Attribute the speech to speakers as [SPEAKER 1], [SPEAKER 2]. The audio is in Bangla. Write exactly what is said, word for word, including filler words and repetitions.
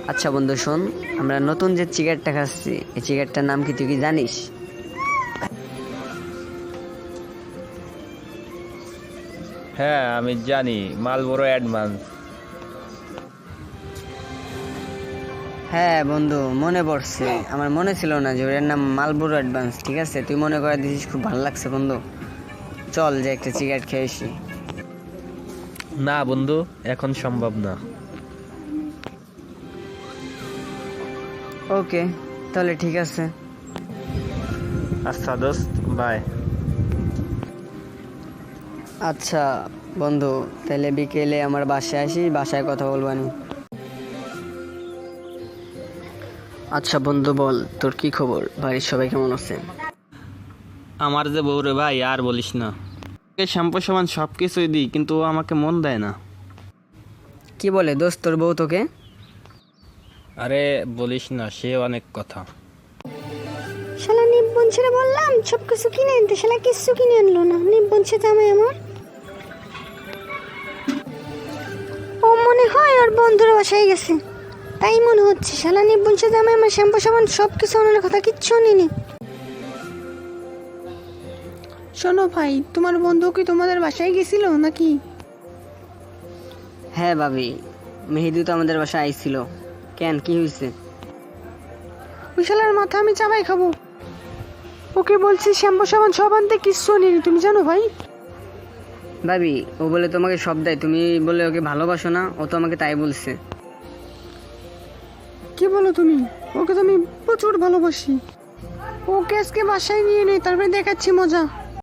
[SPEAKER 1] আচ্ছা বন্ধু শোন, আমরা নতুন যে সিগারেটটা খাচ্ছি এই সিগারেটটার নাম কি তুই কি জানিস?
[SPEAKER 2] হ্যাঁ আমি জানি, মালবোরো অ্যাডভান্স।
[SPEAKER 1] হ্যাঁ বন্ধু, মনে পড়ছে। আমার মনে ছিল না যে ওর নাম মালবোরো অ্যাডভান্স। ঠিক আছে, তুই মনে করে দিছিস, খুব ভালো লাগছে বন্ধু। চল যে একটা সিগারেট খেয়ে আসি।
[SPEAKER 2] না বন্ধু, এখন সম্ভব না।
[SPEAKER 1] ওকে, তাহলে ঠিক আছে।
[SPEAKER 2] আচ্ছা দোস্ত, বাই।
[SPEAKER 1] আচ্ছা বন্ধু, তাহলে বিকেলে আমার বাসায় আসি, বাসায় কথা বলবো নি। আচ্ছা বন্ধু বল, তোর কি খবর? বাড়ির সবাই কেমন আছে?
[SPEAKER 3] আমার যে বউ রে ভাই, আর বলিস না। ওকে শ্যাম্পু সাবান সব কিছুই দিই, কিন্তু ও আমাকে মন দেয় না।
[SPEAKER 1] কি বলে দোস্ত তোর বউ তোকে?
[SPEAKER 3] আরে বলিস না, সে অনেক কথা।
[SPEAKER 4] শালা নিব্বন ছেড়ে বললাম সব কিছু কিনে আনতে, শালা কিছু কিনে আনলো না। নিব্বন ছে জামাই আমার। ও মনে হয় ওর বন্ধুর বাসায় গেছে, তাই মনে হচ্ছে। শালা নিব্বন ছে জামাই আমার শ্যাম্পু সাবান সব কিছু আনার কথা কিচ্ছু নিনি। শোনো ভাই, তোমার বন্ধু কি তোমাদের বাসায় গেছিল নাকি?
[SPEAKER 1] হ্যাঁ ভাবি, মেহেদি তো আমাদের বাসায় আইছিল। কেন, কি হয়েছে?
[SPEAKER 4] ওই শালার মাথা আমি চাবাই খাবো। ওকে বলছি শ্যাম্পু সাবান সব আনতে, কিচ্ছু নিনি, তুমি জানো ভাই।
[SPEAKER 1] ভাবি, ও বলে তোমাকে সব দেয়, তুমি বলে ওকে ভালোবাসো না? ও তো আমাকে তাই বলছে।
[SPEAKER 4] কি বলো তুমি? ওকে তো আমি প্রচুর ভালোবাসি। ওকে আজকে বাসায় নিয়ে নেই, তারপরে দেখাচ্ছি মজা।